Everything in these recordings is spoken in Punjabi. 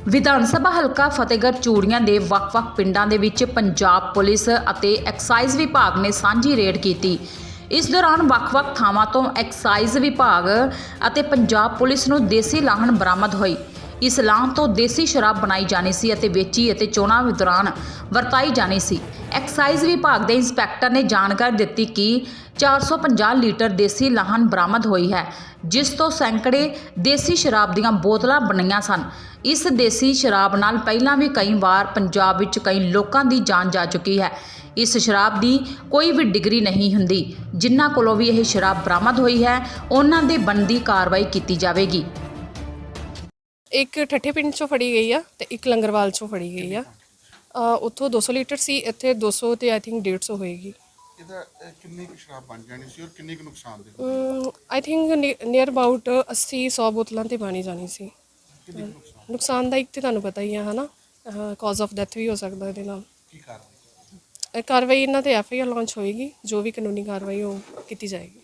ਵਿਧਾਨ ਸਭਾ ਹਲਕਾ ਫਤਿਹਗੜ੍ਹ ਚੂੜੀਆਂ ਦੇ ਵੱਖ-ਵੱਖ ਪਿੰਡਾਂ ਦੇ ਵਿੱਚ ਪੰਜਾਬ ਪੁਲਿਸ ਅਤੇ ਐਕਸਾਈਜ਼ ਵਿਭਾਗ ਨੇ ਸਾਂਝੀ ਰੇਡ ਕੀਤੀ। ਇਸ ਦੌਰਾਨ ਵੱਖ-ਵੱਖ ਥਾਵਾਂ ਤੋਂ ਐਕਸਾਈਜ਼ ਵਿਭਾਗ ਅਤੇ ਪੰਜਾਬ ਪੁਲਿਸ ਨੂੰ ਦੇਸੀ ਲਾਹਣ ਬਰਾਮਦ ਹੋਈ। ਇਸ ਲਾਹਣ ਤੋਂ ਦੇਸੀ ਸ਼ਰਾਬ ਬਣਾਈ ਜਾਣੀ ਸੀ ਅਤੇ ਵੇਚੀ ਅਤੇ ਚੋਣਾਂ ਦੌਰਾਨ ਵਰਤਾਈ ਜਾਣੀ ਸੀ। ਐਕਸਾਈਜ਼ ਵਿਭਾਗ ਦੇ ਇੰਸਪੈਕਟਰ ਨੇ ਜਾਣਕਾਰੀ ਦਿੱਤੀ ਕਿ 450 ਲੀਟਰ ਦੇਸੀ ਲਾਹਣ ਬਰਾਮਦ ਹੋਈ ਹੈ, ਜਿਸ ਤੋਂ ਸੈਂਕੜੇ ਦੇਸੀ ਸ਼ਰਾਬ ਦੀਆਂ ਬੋਤਲਾਂ ਬਣੀਆਂ ਸਨ। ਇਸ ਦੇਸੀ ਸ਼ਰਾਬ ਨਾਲ ਪਹਿਲਾਂ ਵੀ ਕਈ ਵਾਰ ਪੰਜਾਬ ਵਿੱਚ ਕਈ ਲੋਕਾਂ ਦੀ ਜਾਨ ਜਾ ਚੁੱਕੀ ਹੈ। ਇਸ ਸ਼ਰਾਬ ਦੀ ਕੋਈ ਵੀ ਡਿਗਰੀ ਨਹੀਂ ਹੁੰਦੀ। ਜਿਨ੍ਹਾਂ ਕੋਲੋਂ ਵੀ ਇਹ ਸ਼ਰਾਬ ਬਰਾਮਦ ਹੋਈ ਹੈ, ਉਹਨਾਂ ਦੇ ਬਣਦੀ ਕਾਰਵਾਈ ਕੀਤੀ ਜਾਵੇਗੀ। ਇੱਕ ਠੱਠੇ ਪਿੰਡ ਚੋਂ ਫੜੀ ਗਈ ਆ ਤੇ ਇੱਕ ਲੰਗਰਵਾਲ ਚੋਂ ਫੜੀ ਗਈ ਆ। ਉੱਥੋਂ 200 ਲੀਟਰ ਸੀ, ਇੱਥੇ 200 ਤੇ ਆਈ ਥਿੰਕ 150 ਹੋਏਗੀ। ਇਹਦਾ ਕਿੰਨੀ ਕੁ ਸ਼ਰਾਬ ਬਣ ਜਾਣੀ ਸੀ ਔਰ ਕਿੰਨੀ ਕੁ ਨੁਕਸਾਨ ਦੇ ਆਈ ਥਿੰਕ ਨੀਅਰ ਅਬਾਊਟ 80-100 ਬੋਤਲਾਂ ਤੇ ਬਣੀ ਜਾਣੀ ਸੀ। ਨੁਕਸਾਨ ਦਾ ਇੱਕ ਤੇ ਤੁਹਾਨੂੰ ਪਤਾ ਹੀ ਆ, ਹਨਾ, ਕਾਜ਼ ਆਫ ਡੈਥ ਵੀ ਹੋ ਸਕਦਾ ਇਹਦੇ ਨਾਲ। ਕੀ ਕਾਰਵਾਈ ਕਾਰਵਾਈ ਇਹਨਾਂ ਤੇ FIR ਲਾਂਚ ਹੋਏਗੀ, ਜੋ ਵੀ ਕਾਨੂੰਨੀ ਕਾਰਵਾਈ ਉਹ ਕੀਤੀ ਜਾਏਗੀ।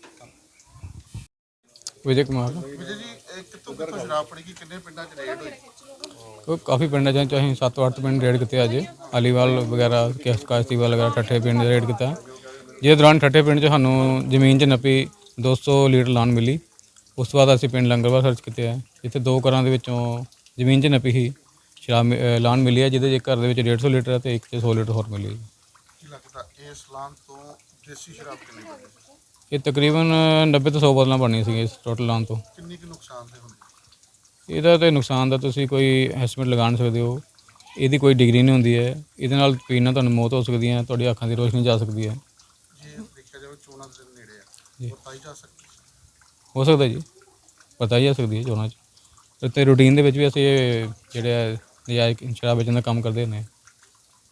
विजय कुमार ਵਿਜੇ ਜੀ ਕਿੱਥੋਂ ਸ਼ਰਾਬ ਫੜੀ ਗਈ, ਕਿੰਨੇ ਪਿੰਡਾਂ 'ਚ ਰੇਡ ਹੋਈ? तो काफ़ी पिंड चाहे ਅਸੀਂ 7-8 ਪਿੰਡ ਰੇਡ ਕੀਤੇ ਅੱਜ। ਅਲੀਵਾਲ ਵਗੈਰਾ, ਕਾਸ਼ਤੀਵਾਲ ਵਗੈਰਾ, ਠੱਠੇ ਪਿੰਡ ਰੇਡ ਕੀਤਾ। ਜਿਹਦੇ ਦੌਰਾਨ ਠੱਠੇ ਪਿੰਡ 'ਚ ਸਾਨੂੰ ਜ਼ਮੀਨ 'ਚ ਨੱਪੀ 200 ਲੀਟਰ ਲਾਹਣ ਮਿਲੀ। ਉਸ ਤੋਂ ਬਾਅਦ ਅਸੀਂ ਪਿੰਡ ਲੰਗਰਵਾਲ ਸਰਚ ਕੀਤੇ ਆ, ਜਿੱਥੇ 2 ਘਰਾਂ ਦੇ ਵਿੱਚੋਂ ਜ਼ਮੀਨ 'ਚ ਨੱਪੀ ਸੀ ਸ਼ਰਾਬ ਲਾਹਣ ਮਿਲੀ ਹੈ, ਜਿਹਦੇ 'ਚ ਘਰ ਦੇ ਵਿੱਚ 150 ਲੀਟਰ ਅਤੇ ਇੱਕ 'ਚ 100 ਲੀਟਰ ਹੋਰ ਮਿਲੀ। ਕੀ ਲੱਗਦਾ ਇਸ ਲਾਹਣ ਤੋਂ ਦੇਸੀ ਸ਼ਰਾਬ ਕਿੰਨੀ ਬਣੀ? ਇਹ ਤਕਰੀਬਨ 90 ਤੋਂ 100 ਬੋਤਲਾਂ ਬਣਨੀਆਂ ਸੀਗੀਆਂ ਇਸ ਟੋਟਲ ਲਾਹਣ ਤੋਂ। ਕਿੰਨੀ ਕੁ ਨੁਕਸਾਨ ਦੇ ਹੁੰਦੇ? ਇਹਦਾ ਤਾਂ ਨੁਕਸਾਨ ਦਾ ਤੁਸੀਂ ਕੋਈ ਐਸਟੀਮੇਟ ਲਗਾ ਨਹੀਂ ਸਕਦੇ ਹੋ। ਇਹਦੀ ਕੋਈ ਡਿਗਰੀ ਨਹੀਂ ਹੁੰਦੀ ਹੈ। ਇਹਦੇ ਨਾਲ ਪੀਣ ਨਾਲ ਤੁਹਾਨੂੰ ਮੌਤ ਹੋ ਸਕਦੀ ਹੈ, ਤੁਹਾਡੀ ਅੱਖਾਂ ਦੀ ਰੋਸ਼ਨੀ ਜਾ ਸਕਦੀ ਹੈ। ਜੇ ਦੇਖਿਆ ਜਾਵੇ ਚੋਣਾਂ ਦੇ ਨੇੜੇ ਜੀ। ਆ, ਵਰਤਾਈ ਜਾ ਸਕਦੀ ਹੋ ਸਕਦਾ ਜੀ, ਪਤਾ ਹੀ ਜਾ ਸਕਦੀ ਹੈ ਚੋਣਾਂ 'ਚ। ਅਤੇ ਰੂਟੀਨ ਦੇ ਵਿੱਚ ਵੀ ਅਸੀਂ ਇਹ ਜਿਹੜੇ ਨਜਾਇਜ਼ ਸ਼ਰਾਬ ਵੇਚਣ ਦਾ ਕੰਮ ਕਰਦੇ ਨੇ।